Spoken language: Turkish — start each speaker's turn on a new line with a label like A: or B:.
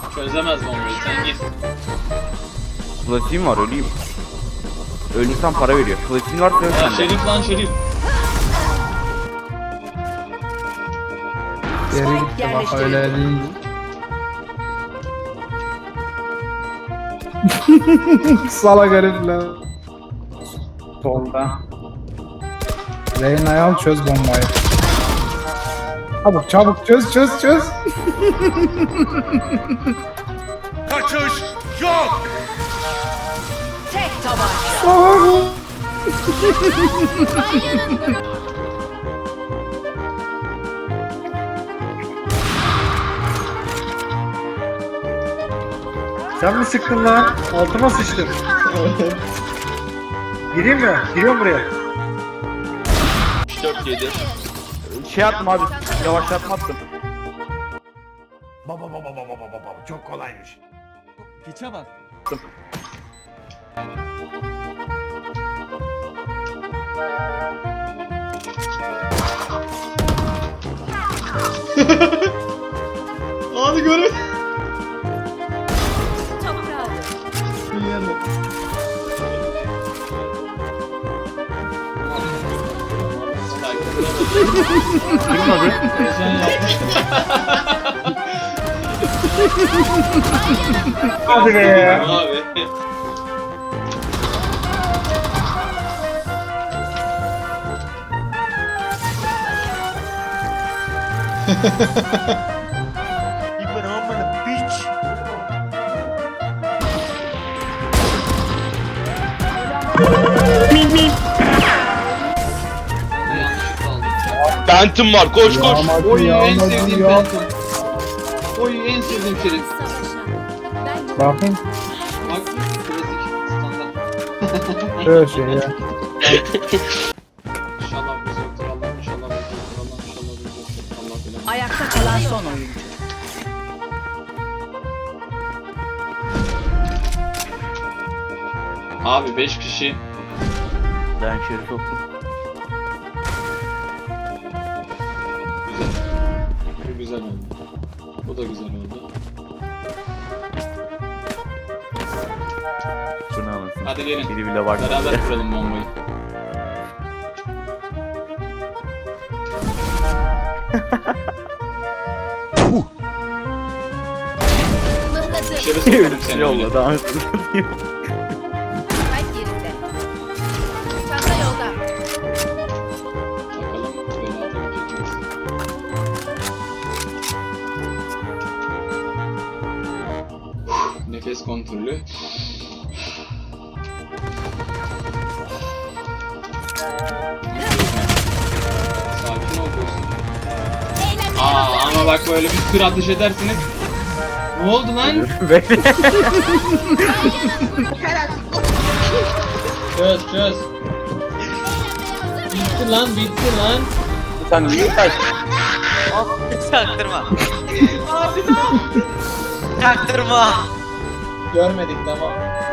A: Çözemez bombayı, sen git.
B: Flash'im var, öleyim. Ölürsem para veriyor. Flash'in varsa yok
A: Ya
B: sende.
A: Şerif lan Şerif.
C: Geri gitti bak öyle değil. Salak herifler. Solda. Reyna'yı al çöz bombayı. Çabuk çabuk çöz.
D: Kaçış yok.
E: Tek tabanca.
C: Salak.
F: Sen mi sıktın lan? Altıma sıçtım. Gireyim mi? Giriyorum buraya.
A: 4-7.
B: Şey attım abi, yavaşlatma attım.
D: Baba çok kolaymış.
G: Piçe bak.
A: Abi görün.
E: Çabuk aldı.
B: Durun abi.
A: Heyecan yapmıştım.
F: Hadi be.
A: Abi.
F: İbn amına piç.
A: Yanlışlıkla aldım.
H: Phantom var, koş koş.
A: Oy en sevdiğim Phantom. Oy en sevdiğim Şerif.
C: Bakın
A: Bak klasik standart.
C: şöyle şey ya.
A: İnşallah biz yoktur Allah'ım, inşallah biz yoktur Allah'ım, inşallah biz yoktur. Allah bilir.
E: Ayakta kalan son oyuncu.
A: Abi 5 kişi.
B: Ben Şerif soktum.
A: Güzel. Bu güzel oldu. Bu da güzel oldu.
B: Bu ne anasını?
A: Hadi gelin.
B: Biri bile var.
A: Beraber kuralım bombayı. Dışarı sokarım seni öyle.
B: Yolla daha hızlı.
E: Kalp yerinde. Çanta yolda.
A: Bakalım böyle atabilecek miyiz? Nefes kontrolü. Sakin ol dostum. Ama bak böyle bir sürü ateş edersiniz. Ne oldu lan?
B: Bekle.
A: Çöz. Bitti lan.
B: Sen niye kaç?
G: Çaktırma. Çaktırma.
A: Görmedik tamam.